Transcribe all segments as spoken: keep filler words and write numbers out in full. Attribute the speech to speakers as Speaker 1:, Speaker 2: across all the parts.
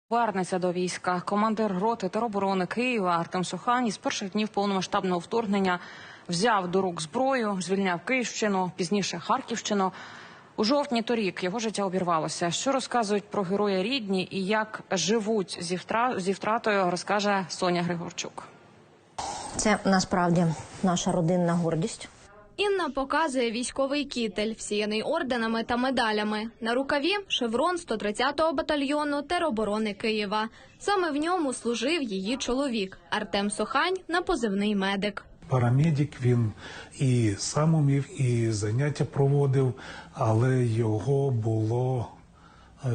Speaker 1: Повернеться до війська. Командир роти тероборони Києва Артем Сохань із перших днів повномасштабного вторгнення взяв до рук зброю, звільняв Київщину, пізніше Харківщину. У жовтні торік його життя обірвалося. Що розказують про героя рідні і як живуть зі, втра... зі втратою, розкаже Соня Григорчук.
Speaker 2: Це насправді наша родинна гордість.
Speaker 3: Інна показує військовий кітель, всіяний орденами та медалями. На рукаві – шеврон сто тридцятого батальйону тероборони Києва. Саме в ньому служив її чоловік – Артем Сохань на позивний «Медик».
Speaker 4: Парамедик, він і сам умів, і заняття проводив, але його було е,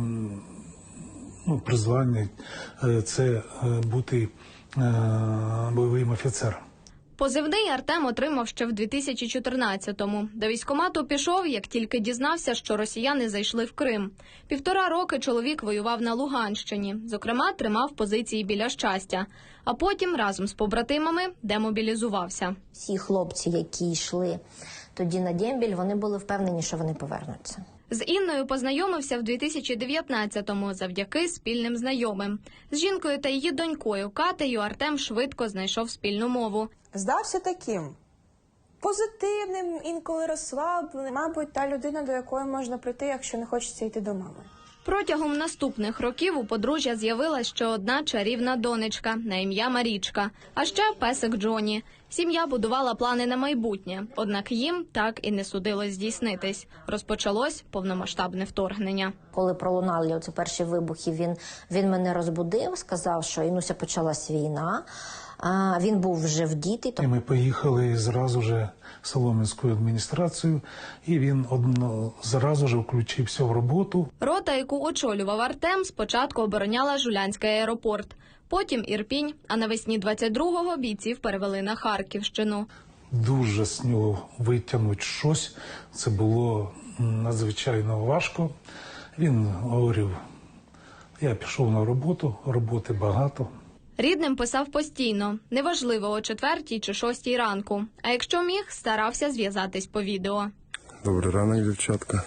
Speaker 4: ну, призвання – це бути е, бойовим офіцером.
Speaker 3: Позивний Артем отримав ще в дві тисячі чотирнадцятому. До військкомату пішов, як тільки дізнався, що росіяни зайшли в Крим. Півтора роки чоловік воював на Луганщині. Зокрема, тримав позиції біля Щастя. А потім разом з побратимами демобілізувався.
Speaker 2: Всі хлопці, які йшли тоді на дембіль, вони були впевнені, що вони повернуться.
Speaker 3: З Інною познайомився в дві тисячі дев'ятнадцятому завдяки спільним знайомим. З жінкою та її донькою Катею Артем швидко знайшов спільну мову.
Speaker 5: Здався таким позитивним, інколи розслабленим. Мабуть, та людина, до якої можна прийти, якщо не хочеться йти до мами.
Speaker 3: Протягом наступних років у подружжя з'явилась ще одна чарівна донечка на ім'я Марічка, а ще песик Джоні. Сім'я будувала плани на майбутнє, однак їм так і не судилось здійснитись. Розпочалось повномасштабне вторгнення. Коли
Speaker 2: пролунали оці перші вибухи, він, він мене розбудив, сказав, що Інуся, почалась війна. А, він був вже вдітий.
Speaker 4: І ми поїхали зразу же в Солом'янську адміністрацію, і він одно, зразу же включився в роботу.
Speaker 3: Рота, яку очолював Артем, спочатку обороняла Жулянський аеропорт, потім Ірпінь, а навесні двадцять другого бійців перевели на Харківщину.
Speaker 4: Дуже з нього витягнути щось, це було надзвичайно важко. Він говорив, я пішов на роботу, роботи багато.
Speaker 3: Рідним писав постійно, неважливо о четвертій чи шостій ранку. А якщо міг, старався зв'язатись по відео.
Speaker 6: Добрий ранок, дівчатка.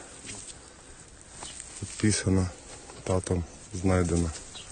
Speaker 6: Підписано, татом знайдено.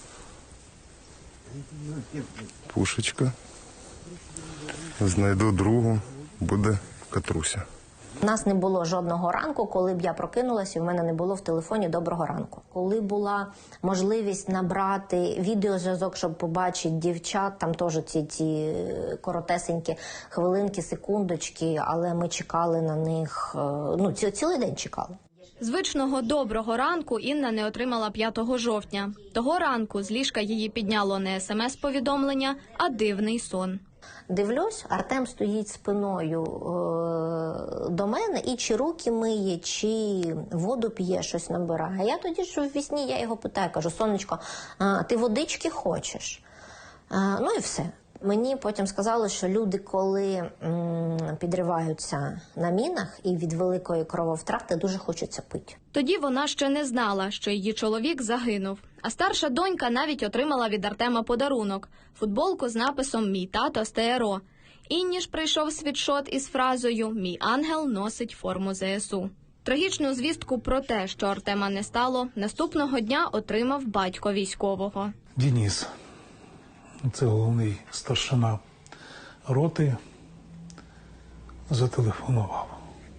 Speaker 6: Пушечка. Знайду другу, буде Катруся.
Speaker 2: У нас не було жодного ранку, коли б я прокинулася, і в мене не було в телефоні «Доброго ранку». Коли була можливість набрати відеозв'язок, щоб побачити дівчат, там теж ці, ці коротесенькі хвилинки, секундочки, але ми чекали на них, ну, ці, цілий день чекали.
Speaker 3: Звичного «доброго ранку» Інна не отримала п'ятого жовтня. Того ранку з ліжка її підняло не смс-повідомлення, а дивний сон.
Speaker 2: Дивлюсь, Артем стоїть спиною е, до мене і чи руки миє, чи воду п'є, щось набирає. А я тоді ж в вісні, я його питаю, кажу, сонечко, а, ти водички хочеш? А, ну і все. Мені потім сказали, що люди, коли м, підриваються на мінах і від великої крововтрати, дуже хочеться пити.
Speaker 3: Тоді вона ще не знала, що її чоловік загинув. А старша донька навіть отримала від Артема подарунок – футболку з написом «Мій тато з ТРО». Інні ж прийшов світшот із фразою «Мій ангел носить форму ЗСУ». Трагічну звістку про те, що Артема не стало, наступного дня отримав батько військового.
Speaker 4: Денис. Це головний старшина роти, зателефонував.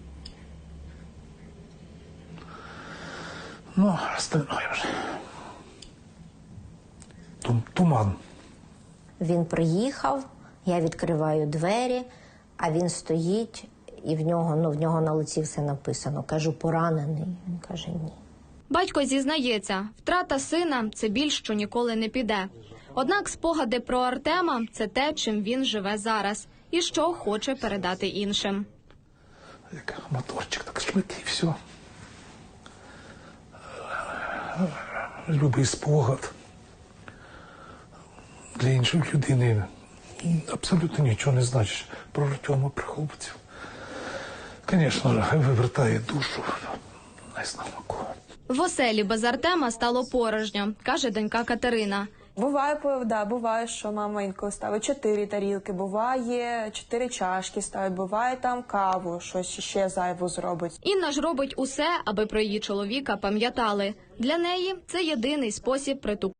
Speaker 4: Ну, остальное вже. Туман.
Speaker 2: Він приїхав, я відкриваю двері, а він стоїть, і в нього, ну, в нього на лиці все написано. Кажу, поранений. Він каже, ні.
Speaker 3: Батько зізнається, втрата сина – це біль, що ніколи не піде. Однак спогади про Артема – це те, чим він живе зараз і що хоче передати іншим.
Speaker 4: Як моторчик, так швидкий, все. Любий спогад для іншої людини абсолютно нічого не значить про Артема, про хлопців. Звісно, хай вивертає душу, не знаю кого.
Speaker 3: В оселі без Артема стало порожньо, каже донька Катерина.
Speaker 5: Буває, да, буває, що мама інколи ставить чотири тарілки, буває чотири чашки ставить, буває там каву, щось ще зайву зробить.
Speaker 3: Інна ж робить усе, аби про її чоловіка пам'ятали. Для неї це єдиний спосіб притупити